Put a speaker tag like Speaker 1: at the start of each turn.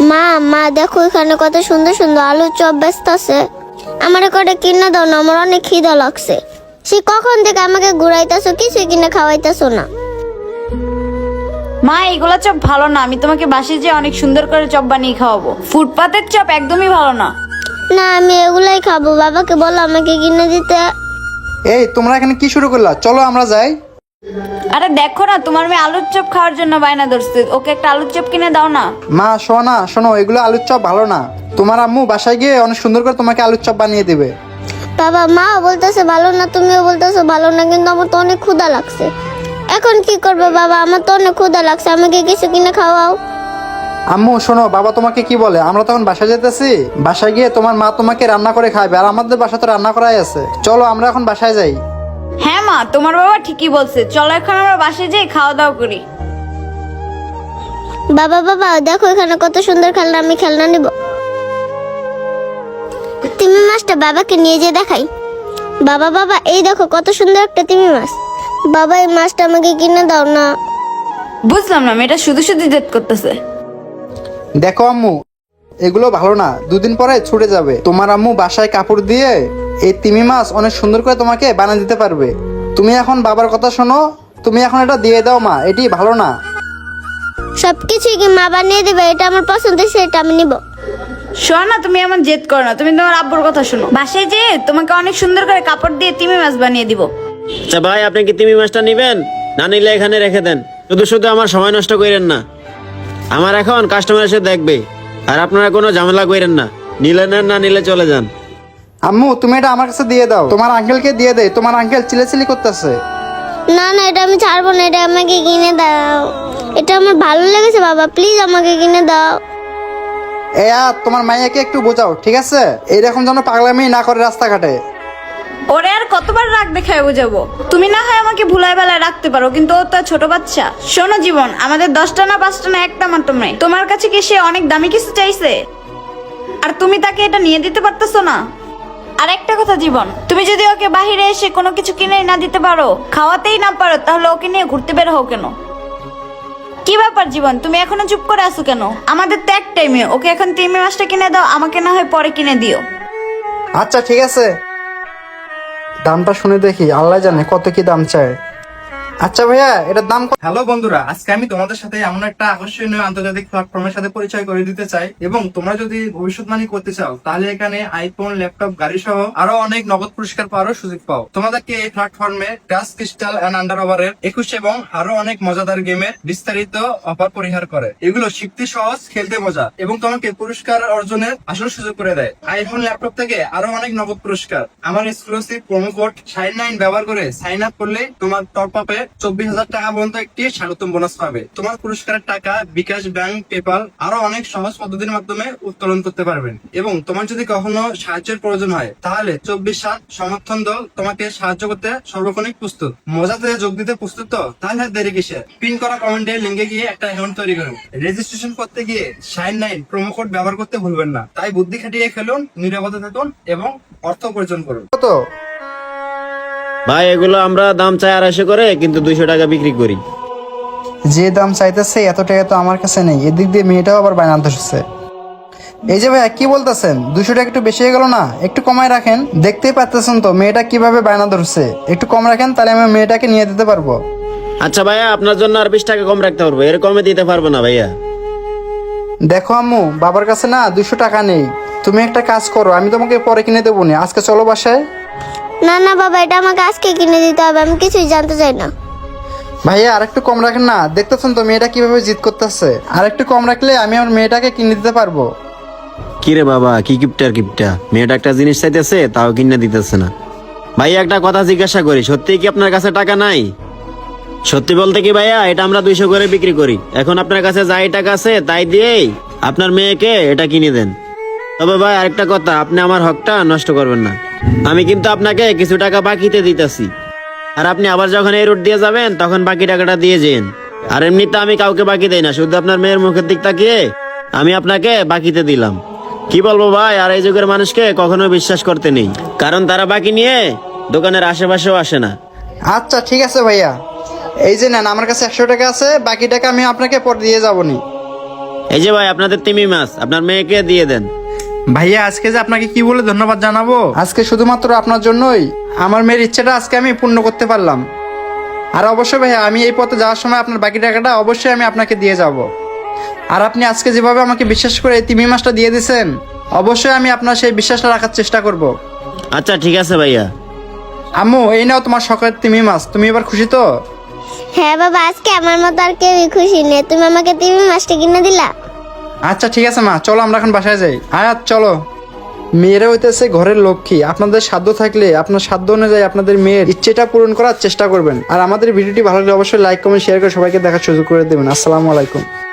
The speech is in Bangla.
Speaker 1: মা মা দেখো এখানে কত সুন্দর সুন্দর আলুর চপ বেচতেছে। আমার কটা কিনে দাও না, আমার অনেক খিদা লাগছে। সে কখন থেকে আমাকে ঘুরাইতেছো, কিছুই কিনে খাওয়াইতেছো না।
Speaker 2: মা এগুলা চপ ভালো না, আমি তোমাকে বাসায় যেয়ে অনেক সুন্দর করে চপ বানিয়ে খাওয়াবো। ফুটপাতের চপ একদমই ভালো না।
Speaker 1: না আমি এগুলাই খাবো, বাবাকে বলো আমাকে কিনে দিতে।
Speaker 3: এই তোমরা এখানে কি শুরু করলা? চলো আমরা যাই।
Speaker 2: আরে দেখো না, তোমার মেয়ে আলুর চপ খাওয়ার জন্য বায়না ধরছে, ওকে একটা আলুর চপ কিনে দাও না।
Speaker 3: মা শোনা শোনো, এগুলো আলুর চপ ভালো না। তোমার আম্মু বাসায় গিয়ে অনেক সুন্দর করে তোমাকে আলুর চপ বানিয়ে দেবে।
Speaker 1: বাবা মা বলতেছে ভালো না, তুমিও বলতেছো ভালো না, কিন্তু আমার তো অনেক ক্ষুধা লাগছে। এখন কি করবে বাবা? আমার তো অনেক ক্ষুধা লাগছে, আমাকে কিছু কিনে খাওয়াও।
Speaker 3: আম্মু শোনো, বাবা তোমাকে কি বলে, আমরা তখন বাসায় যেতেছি, বাসায় গিয়ে তোমার মা তোমাকে রান্না করে খাবে, আর আমাদের বাসা তো রান্না করাই আছে। চলো আমরা এখন বাসায় যাই।
Speaker 2: হ্যাঁ মা, তোমার বাবা ঠিকই বলছে, চলো এখন আমরা বাসায় যাই খাওয়া দাওয়া করি।
Speaker 1: বাবা বাবা দেখো এখানে কত সুন্দর খেলনা, আমি খেলনা নিব। তিমি মাছটা বাবাকে নিয়ে যে দেখাই। বাবা বাবা এই দেখো কত সুন্দর একটা তিমি মাছ। বাবা এই মাছটা আমাকে কিনে দাও না।
Speaker 2: বুঝলাম না, মেয়েটা শুধু শুধু জেদ করতেছে।
Speaker 3: দেখো আম্মু, এগুলো ভালো না, দুদিন পরে ছুটে যাবে। তোমার আম্মু বাসায় কাপড় দিয়ে এই তিমি মাছ অনেক সুন্দর করে তোমাকে বানিয়ে দিতে পারবে। তুমি এখন বাবার কথা শোনো, তুমি এখন এটা দিয়ে দাও মা, এটি ভালো না।
Speaker 1: সবকিছুই কি মা বানিয়ে দেবে? এটা আমার পছন্দ, সেটা আমি নিব।
Speaker 2: শোনো না, তুমি এমন জেদ করো না, তুমি তোমার আব্বুর কথা শোনো। বাসায় যেয়ে তোমাকে অনেক সুন্দর করে কাপড় দিয়ে তিমি মাছ বানিয়ে দিব।
Speaker 4: আচ্ছা ভাই, আপনি কি তিমি মাছটা নিবেন? না নিলে এখানে রেখে দেন, শুধু শুধু আমার সময় নষ্ট করেন না। আমার এখন কাস্টমার এসে দেখবে, আর আপনারা কোনো ঝামেলা করেন না। নিলে নেন, না নিলে চলে যান।
Speaker 3: আম্মু তুমি এটা আমার কাছে দিয়ে দাও, তোমার আঙ্কেলকে দিয়ে দেয়, তোমার আঙ্কেল চিলেচিলি করতেছে।
Speaker 1: না না এটা আমি ছাড়বো না, এটা আমাকে কিনে দাও। এটা আমার ভালো লেগেছে বাবা, প্লিজ আমাকে কিনে দাও।
Speaker 3: তোমার মাইয়াকে একটু বোঝাও, ঠিক আছে? এইরকম যেন পাগলামি না করে রাস্তাঘাটে।
Speaker 2: ওরে আর কতবার রাগ দেখায় বুঝাবো? তুমি না হয় আমাকে ভুলাই বেলায় রাখতে পারো, কিন্তু ও তো আর ছোট বাচ্চা। শোনো জীবন, আমাদের 10টা না 5টা না একটা মাত্র মেয়ে, তোমার কাছে কি সে অনেক দামি কিছু চাইছে? আর তুমি তাকে এটা নিয়ে দিতে পারতেছো না? আর একটা কথা জীবন, তুমি যদি ওকে বাহিরে এসে কোনো কিছু কিনে না দিতে পারো, খাওয়াতেই না পারো, তাহলে ওকে নিয়ে ঘুরতে বের হও কেন? কি ব্যাপার জীবন, তুমি এখনো চুপ করে আছো কেন? আমাদের তো এক টাইমে, ওকে এখন তিমি মাছটা কিনে দাও, আমাকে না হয় পরে কিনে দিও।
Speaker 3: আচ্ছা ঠিক আছে, দামটা শুনে দেখি, আল্লাহ জানে কত কি দাম চায়। আচ্ছা ভাইয়া, এটার দাম কত?
Speaker 5: হ্যালো বন্ধুরা, আজকে আমি তোমাদের সাথে এমন একটা আকর্ষণীয় আন্তর্জাতিক প্ল্যাটফর্মের সাথে পরিচয় করে দিতে চাই। এবং তোমরা যদি ভবিষ্যৎবাণী করতে চাও, তাহলে এখানে আইফোন, ল্যাপটপ, গাড়ি সহ আরো অনেক নগদ পুরস্কার পাওয়ারও সুযোগ পাও। তোমাদেরকে এই প্ল্যাটফর্মে টাচ ক্রিস্টাল এন্ড আন্ডার ওভারের 21 এবং আরো অনেক মজাদার গেমের বিস্তারিত অফার পরিহার করে। এগুলো শিখতে সহজ, খেলতে মজা, এবং তোমাকে পুরস্কার অর্জনের আসল সুযোগ করে দেয়। আইফোন, ল্যাপটপ থেকে আরো অনেক নগদ পুরস্কার। আমার এক্সক্লুসিভ প্রোমো কোড শাইন9 ব্যবহার করে সাইন আপ করলে তোমার টপ আপে 24,000 টাকা পর্যন্ত একটি স্বাগতম বোনাস পাবে। তোমার পুরস্কারের টাকা বিকাশ, ব্যাংক, পেপাল আরো অনেক সহজ পদ্ধতির মাধ্যমে উত্তোলন করতে পারবেন। এবং তোমার যদি কখনো সাহায্যের প্রয়োজন হয়, তাহলে 24/7 সমর্থন দল তোমাকে সাহায্য করতে সর্বক্ষণিক প্রস্তুত। মজাতে যোগ দিতে প্রস্তুত তো? তাহলে আর দেরি কিসের? পিন করা কমেন্টে লিঙ্কে গিয়ে একটা অ্যাকাউন্ট তৈরি করুন। রেজিস্ট্রেশন করতে গিয়ে শাইন9 প্রোমো কোড ব্যবহার করতে ভুলবেন না। তাই বুদ্ধি খাটিয়ে খেলুন, নিরাপদে থাকুন এবং অর্থ উপার্জন করুন।
Speaker 3: কত?
Speaker 4: ভাই এগুলো আমরা দাম চাই 250 করে, কিন্তু 200 টাকা বিক্রি করি।
Speaker 3: যে দাম চাইতেছে এত টাকা তো আমার কাছে নেই, এদিক দিয়ে মেয়েটাও আবার বায়না ধরছে। এই যে ভাইয়া কি বলতেছেন, 200 টাকা একটু বেশি হয়ে গেল না? একটু কমায় রাখেন, দেখতেই পাচ্ছেন তো মেয়েটা কিভাবে বায়না ধরছে। একটু কম রাখেন, তাহলে আমি মেয়েটাকে নিয়ে দিতে পারবো।
Speaker 4: আচ্ছা ভাইয়া, আপনার জন্য আর 20 টাকা কম রাখতে পারবো, এর কমে দিতে পারবো না ভাইয়া।
Speaker 3: দেখো আম্মু, বাবার কাছে না 200 টাকা নেই। তুমি একটা কাজ করো, আমি তোমাকে পরে কিনে দেবো না, আজকে চলো বাসায়।
Speaker 1: না না বাবা এটা আমাকে আজকে কিনে দিতে হবে, আমি কিছুই জানতে চাই না।
Speaker 3: ভাইয়া আর একটু কম রাখেন না, দেখতেছেন তো মেয়েটা কিভাবে জিদ করতেছে। আর একটু কম রাখলে আমি আমার মেয়েটাকে কিনে দিতে পারবো।
Speaker 4: কি রে বাবা, কি কিপটা, মেয়েটা একটা জিনিস চাইতেছে তাও কিনে দিতেছে না। ভাইয়া একটা কথা জিজ্ঞাসা করি, সত্যি কি আপনার কাছে টাকা নাই? সত্যি বলতে কি ভাইয়া, এটা আমরা 200 করে বিক্রি করি। এখন আপনার কাছে যাই টাকা আছে তাই দিয়েই আপনার মেয়েকে এটা কিনে দেন। তবে ভাই আরেকটা কথা, আপনি আমার হকটা নষ্ট করবেন না। আমি কিন্তু আপনাকে কিছু টাকা বাকিতে দিতেছি, আর আপনি আবার যখন এই রুট দিয়ে যাবেন তখন বাকি টাকাটা দিয়ে যেন। আর এমনিতে আমি কাউকে বাকি দেই না, শুধু আপনার মেয়ের মুখের দিক তাকিয়ে আমি আপনাকে বাকিতে দিলাম। কি বলবো ভাই, আর এই যুগের মানুষকে কখনো বিশ্বাস করতে নেই, কারণ তারা বাকি নিয়ে দোকানের আশেপাশেও আসে না।
Speaker 3: আচ্ছা ঠিক আছে ভাইয়া, এই যে নেন, আমার কাছে 100 টাকা আছে, বাকি টাকা আমি আপনাকে পরে দিয়ে যাবো নি।
Speaker 4: এই যে ভাই আপনাদের তিমি মাছ আপনার মেয়েকে দিয়ে দেন।
Speaker 5: ভাইয়া আজকে যে আপনাকে কি বলে ধন্যবাদ জানাবো।
Speaker 3: আজকে শুধুমাত্র আপনার জন্যই আমার মেয়ের ইচ্ছেটা আজকে আমি পূর্ণ করতে পারলাম। আর অবশ্যই ভাইয়া আমি এই পথে যাওয়ার সময় আপনার বাকি টাকাটা অবশ্যই আমি আপনাকে দিয়ে যাব। আর আপনি আজকে যেভাবে আমাকে বিশ্বাস করে এই তিমি মাছটা দিয়ে দিয়েছেন, অবশ্যই আমি আপনার সেই বিশ্বাসটা রাখার চেষ্টা করব।
Speaker 4: আচ্ছা ঠিক আছে ভাইয়া।
Speaker 3: আম্মু এই নাও তোমার শখের তিমি মাছ, তুমি এবার খুশি তো?
Speaker 1: হ্যাঁ বাবা, আজকে আমার মতো আর কেউই খুশি নেই, তুমি আমাকে তিমি মাছটা কিনে দিলা।
Speaker 3: আচ্ছা ঠিক আছে মা, চলো আমরা এখন বাসায় যাই। আয়াত চলো। মেয়েরা হইতেছে ঘরের লক্ষ্মী। আপনাদের সাধ্য থাকলে আপনার সাধ্য অনুযায়ী আপনাদের মেয়ের ইচ্ছেটা পূরণ করার চেষ্টা করবেন। আর আমাদের ভিডিওটি ভালো লাগলে অবশ্যই লাইক কমেন্ট শেয়ার করে সবাইকে দেখার সুযোগ করে দেবেন। আসসালামু আলাইকুম।